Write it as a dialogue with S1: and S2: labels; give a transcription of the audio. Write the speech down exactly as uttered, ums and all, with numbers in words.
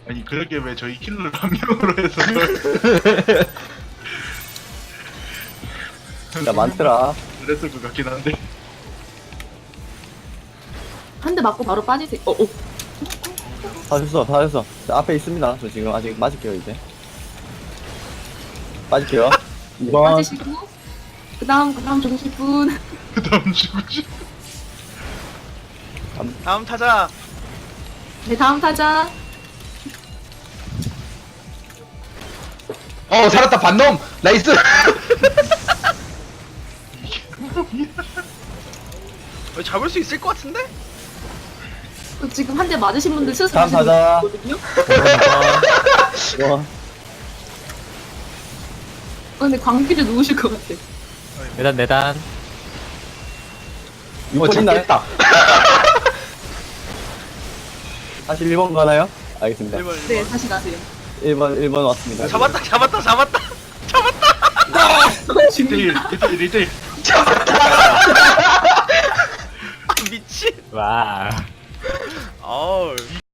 S1: 아니 그러게 왜 저희 킬러를 한 명으로 해서
S2: 진짜 많더라.
S1: 그랬을 것 같긴 한데.
S3: 한 대 맞고 바로 빠지세요. 어, 어.
S2: 다 됐어, 다 됐어. 저 앞에 있습니다. 저 지금 아직 맞을게요, 이제. 빠질게요. 이번,
S3: 빠지시고. 그 다음, 그 다음 죽으실 분.
S1: 그 다음 죽으시.
S4: 다음 타자.
S3: 네, 다음 타자.
S5: 어 살았다 반놈 나이스.
S4: 어, 잡을 수 있을 것 같은데?
S3: 그 지금 한 대 맞으신 분들 스스로
S2: 다음
S3: 지금
S2: 타자.
S3: 있거든요?
S2: 이번.
S3: 어, 근데 광기를 누우실 것 같아.
S6: 매단 매단.
S5: 어
S2: 이번 있나요?
S5: 잡겠다.
S2: 다시 일 번 가나요? 알겠습니다.
S4: 일 번,
S3: 네,
S4: 일 번.
S3: 다시 가세요.
S2: 일 번, 일 번 왔습니다.
S4: 잡았다, 잡았다, 잡았다. 잡았다.
S1: 일대일, 일대일, 일대일.
S4: 아, 미친.
S6: 와.
S4: 어우.